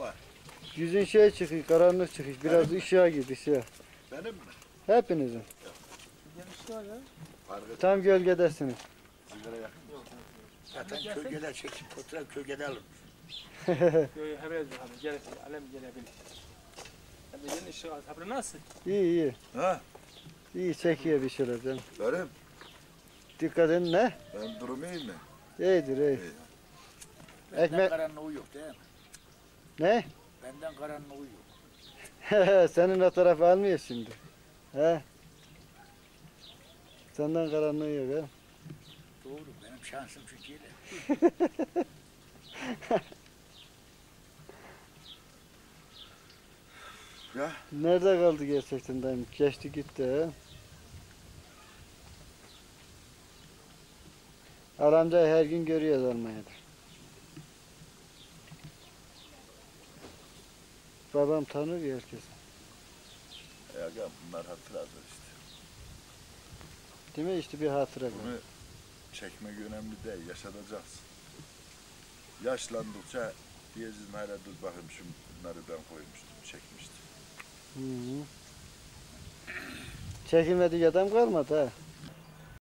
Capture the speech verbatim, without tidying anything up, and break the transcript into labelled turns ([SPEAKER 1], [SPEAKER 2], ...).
[SPEAKER 1] var?
[SPEAKER 2] Yüzün şey çıkıyor, karanlık çıkıyor. Biraz
[SPEAKER 1] Benim mi?
[SPEAKER 2] ışığa git, ışığa.
[SPEAKER 1] Benim mi?
[SPEAKER 2] Hepinizin.
[SPEAKER 3] Gelişti var ya.
[SPEAKER 1] Fark et.
[SPEAKER 2] Tam gölgedesiniz.
[SPEAKER 1] Sigara yakın.
[SPEAKER 3] Yok.
[SPEAKER 1] Zaten kölgede çekip fotoğraf kölgede alır.
[SPEAKER 3] Yok yok haber ediyor abi. Gel alem gelebilir. Abi gelin işi sabır nasıl?
[SPEAKER 2] İyi iyi.
[SPEAKER 1] Ha?
[SPEAKER 2] İyi çekiyor bir şeyler canım.
[SPEAKER 1] Benim.
[SPEAKER 2] Dikkat edin ne?
[SPEAKER 1] Ben durum iyi mi?
[SPEAKER 2] İyidir iyi.
[SPEAKER 1] İyi.
[SPEAKER 4] Benden
[SPEAKER 2] Ekmek-
[SPEAKER 4] karanlığı yok değil mi?
[SPEAKER 2] Ne?
[SPEAKER 4] Benden karanlığı yok.
[SPEAKER 2] Senin o tarafı almıyor şimdi. He? Senden karanlığı yok ha.
[SPEAKER 4] Doğru, benim şansım çünkü öyle.
[SPEAKER 1] Ya
[SPEAKER 2] Nerede kaldı gerçekten dayım? Geçti gitti ha. Aramcayı her gün görüyoruz Almanya'da. Babam tanır herkesi.
[SPEAKER 1] ya gel bunlar hatıradır işte.
[SPEAKER 2] Değil mi? İşte bir hatıra bu.
[SPEAKER 1] Bunu çekmek önemli değil, yaşatacaksın. Yaşlandıkça diyeceğiz hala dur bakayım şu bunları ben koymuştum, çekmiştim.
[SPEAKER 2] Hı hı. Çekilmedik adam kalmadı ha.